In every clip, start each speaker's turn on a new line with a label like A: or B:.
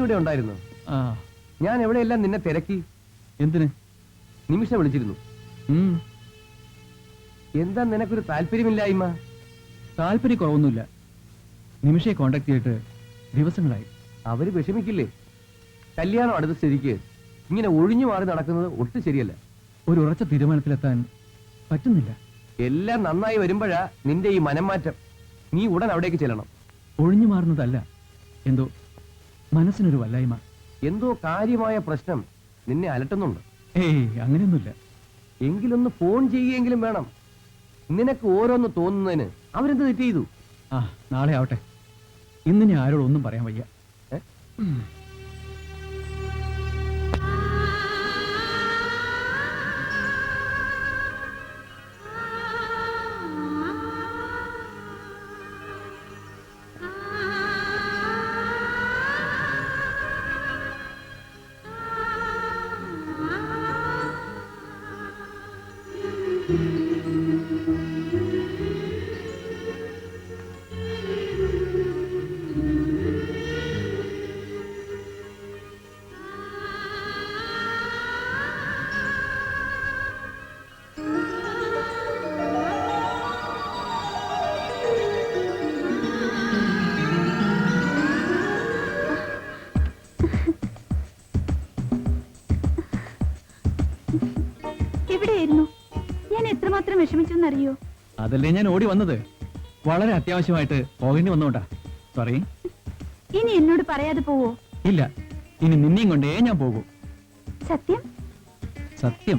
A: ഇവിടെ ഉണ്ടായിരുന്നു. ഞാൻ എവിടെയെല്ലാം നിന്നെ തിരക്കി.
B: എന്തിന്?
A: നിമിഷ വിളിച്ചിരുന്നു. എന്താ നിനക്കൊരു താല്പര്യമില്ലായ്മ?
B: താല്പര്യക്കുറവൊന്നുമില്ല. നിമിഷയെ കോണ്ടാക്ട് ചെയ്തിട്ട് ദിവസങ്ങളായി.
A: അവര് വിഷമിക്കില്ലേ? കല്യാണം അടുത്ത സ്ഥിതിക്ക് ഇങ്ങനെ ഒഴിഞ്ഞു മാറി നടക്കുന്നത് ഒട്ടും ശരിയല്ല.
B: ഒരു ഉറച്ച തീരുമാനത്തിലെത്താൻ പറ്റുന്നില്ല.
A: എല്ലാം നന്നായി വരുമ്പോഴാ നിന്റെ ഈ മനംമാറ്റം. നീ ഉടൻ അവിടേക്ക് ചെല്ലണം.
B: ഒഴിഞ്ഞു മാറുന്നതല്ല, എന്തോ മനസ്സിനൊരു വല്ലായ്മ.
A: എന്തോ കാര്യമായ പ്രശ്നം നിന്നെ അലട്ടുന്നുണ്ട്.
B: ഏയ്, അങ്ങനെയൊന്നുമില്ല.
A: എങ്കിലൊന്ന് ഫോൺ ചെയ്യുകയെങ്കിലും വേണം. നിനക്ക് ഓരോന്ന് തോന്നുന്നതിന് അവരെന്ത് തെറ്റ് ചെയ്തു?
B: നാളെ ആവട്ടെ. ഇന്ന് ഞാൻ ആരോടൊന്നും പറയാൻ വയ്യ.
C: ഞാൻ എത്രമാത്രം വിഷമിച്ചെന്നറിയോ?
B: അതല്ലേ ഞാൻ ഓടി വന്നത്. വളരെ അത്യാവശ്യമായിട്ട് പോകേണ്ടി വന്നോണ്ടാ. സോറി.
C: ഇനി എന്നോട് പറയാതെ പോവോ?
B: ഇല്ല, ഇനി നിന്നെയും കൊണ്ടേ ഞാൻ പോകൂ.
C: സത്യം?
B: സത്യം.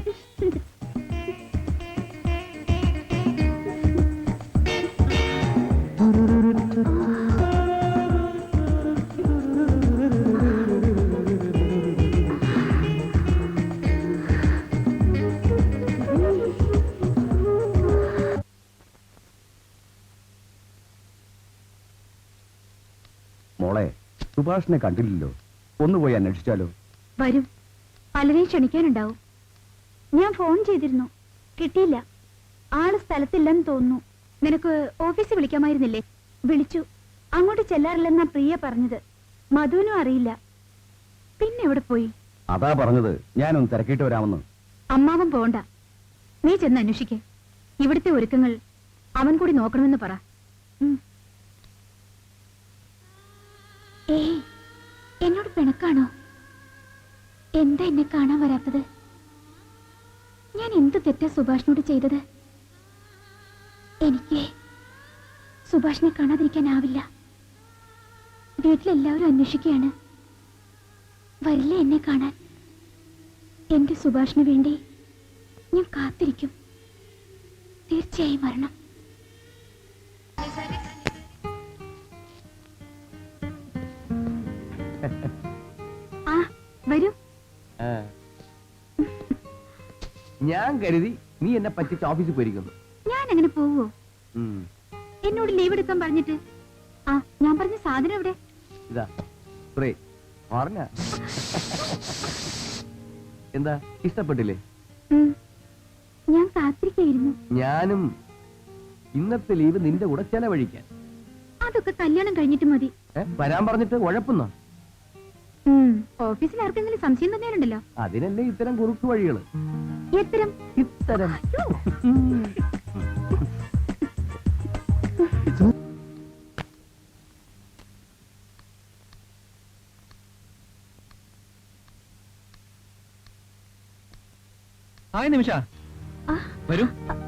A: മോളെ, സുഭാഷിനെ കണ്ടില്ലല്ലോ. ഒന്നുപോയി അന്വേഷിച്ചാലോ?
C: വരും. പലരെയും ക്ഷണിക്കാനുണ്ടാവും. ഞാൻ ഫോൺ ചെയ്തിരുന്നു, കിട്ടിയില്ല. ആള് സ്ഥലത്തില്ലെന്ന് തോന്നുന്നു. നിനക്ക് ഓഫീസിൽ വിളിക്കാമായിരുന്നില്ലേ? വിളിച്ചു. അങ്ങോട്ട് ചെല്ലാറില്ലെന്നാ പ്രിയ പറഞ്ഞത്. മധുവിനും അറിയില്ല. പിന്നെ എവിടെ പോയി?
A: അതാ പറഞ്ഞത്, ഞാനൊന്ന് തിരക്കിട്ട് വരാമെന്ന്.
C: അമ്മാവൻ പോണ്ട. നീ ചെന്ന് അന്വേഷിക്കേ. ഇവിടുത്തെ ഒരുക്കങ്ങൾ അവൻ കൂടി നോക്കണമെന്ന് പറ. ഏയ്, എന്നോട് പിണക്കാണോ? എന്താ എന്നെ കാണാൻ വരാത്തത്? ഞാൻ എന്ത് തെറ്റാ സുഭാഷിനോട് ചെയ്തത്? എനിക്ക് സുഭാഷിനെ കാണാതിരിക്കാനാവില്ല. വീട്ടിലെല്ലാവരും അന്വേഷിക്കുകയാണ്. വരില്ലേ എന്നെ കാണാൻ? എന്റെ സുഭാഷിന് വേണ്ടി ഞാൻ കാത്തിരിക്കും. തീർച്ചയായും വരണം. വരൂ.
A: ഞാൻ കരുതി നീ എന്നെ പറ്റിച്ച് ഓഫീസിൽ പോയിരിക്കുന്നു.
C: ഞാൻ അങ്ങനെ പോവോ? എന്നോട് ലീവ് എടുക്കാൻ പറഞ്ഞിട്ട്. ഞാൻ പറഞ്ഞ സാധനം എവിടെ?
A: ഇതാ പറഞ്ഞ. എന്താ, ഇഷ്ടപ്പെട്ടില്ലേ?
C: ഞാൻ കാത്തിരിക്കായിരുന്നു.
A: ഞാനും ഇന്നത്തെ ലീവ് നിന്റെ കൂടെ ചെലവഴിക്കാൻ.
C: അതൊക്കെ കല്യാണം കഴിഞ്ഞിട്ട് മതി.
A: വരാൻ പറഞ്ഞിട്ട് ഉഴപ്പുന്നോ?
C: ഓഫീസിൽ ആർക്കെങ്കിലും സംശയം തന്നെയുണ്ടല്ലോ.
A: അതിനല്ലേ ഇത്തരം കുറുക്കു വഴികള്.
C: ഇത്തരം
B: ഹായ് നിമിഷ, വരൂ.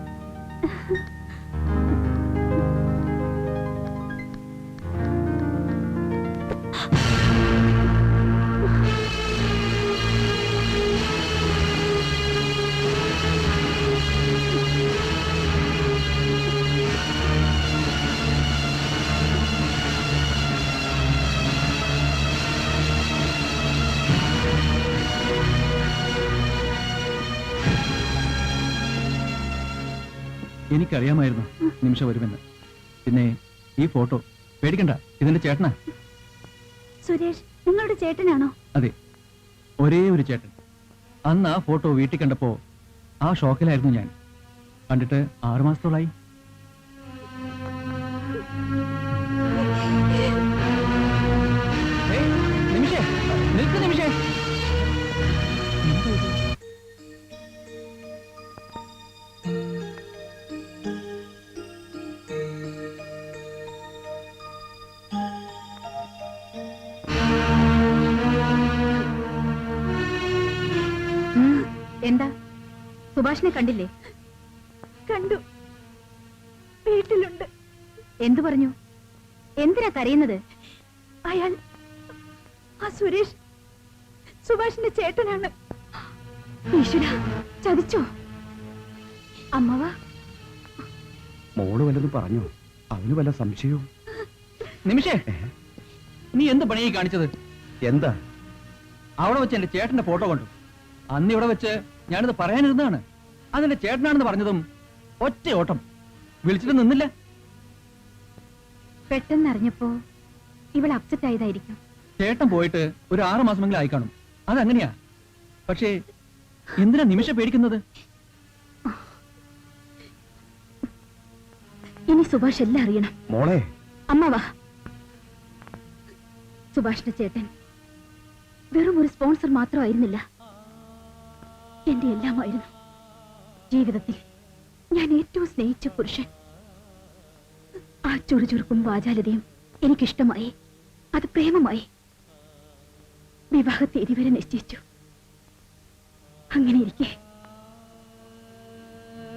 B: എനിക്കറിയാമായിരുന്നു നിമിഷ വരുമെന്ന്. പിന്നെ ഈ ഫോട്ടോ പേടിക്കണ്ട, ഇതിന്റെ ചേട്ടനാ.
C: സുരേഷ് നിങ്ങളുടെ ചേട്ടനാണോ?
B: അതെ, ഒരേ ഒരു ചേട്ടൻ. അന്ന് ആ ഫോട്ടോ വീട്ടിൽ കണ്ടപ്പോ ആ ഷോക്കിലായിരുന്നു ഞാൻ. കണ്ടിട്ട് 6 മാസത്തോളായി. നിമിഷേ,
C: എന്താ സുഭാഷിനെ കണ്ടില്ലേ? കണ്ടു, വീട്ടിലുണ്ട്. എന്തു പറഞ്ഞു? എന്തിനാ കരയുന്നത്? അയാൾ ആ സുരേഷ് സുഭാഷിന്റെ ചേട്ടനാണ്. ഈശ്വര, ചതിച്ചോ? അമ്മവ
D: മോള് വല്ലതും പറഞ്ഞോ? അവന് വല്ല സംശയവും?
B: നിമിഷേ, നീ എന്ത് പണിയായി കാണിച്ചത്?
D: എന്താ?
B: അവിടെ വെച്ച് എന്റെ ചേട്ടന്റെ ഫോട്ടോ കണ്ടു. അന്ന് ഇവിടെ വെച്ച് ഞാനിത് പറയാനിരുന്നതാണ്. അതെന്റെ ചേട്ടനാണെന്ന് പറഞ്ഞതും ഒറ്റ ഓട്ടം, വിളിച്ചിട്ട് നിന്നില്ല.
C: പെട്ടെന്ന് അറിഞ്ഞപ്പോ ഇവൾ അപ്സെറ്റ് ആയതായിരിക്കും.
B: ചേട്ടൻ പോയിട്ട് ഒരു 6 മാസമെങ്കിലും ആയി കാണും. അതങ്ങനെയാ. പക്ഷേ എന്തിനാ നിമിഷം പേടിക്കുന്നത്?
C: ഇനി സുഭാഷ് എല്ലാം അറിയണം.
D: മോളെ,
C: അമ്മവാ, സുഭാഷിന്റെ ചേട്ടൻ വെറും ഒരു സ്പോൺസർ മാത്രമായിരുന്നില്ല, എന്റെ എല്ലാമായിരുന്നു. ജീവിതത്തിൽ ഞാൻ ഏറ്റവും സ്നേഹിച്ച പുരുഷൻ. ആ ചുറുചുറുക്കും വാചാലതയും എനിക്കിഷ്ടമായി. അത് പ്രേമമായി. വിവാഹ തീയതി വരെ നിശ്ചയിച്ചു. അങ്ങനെ ഇരിക്കെ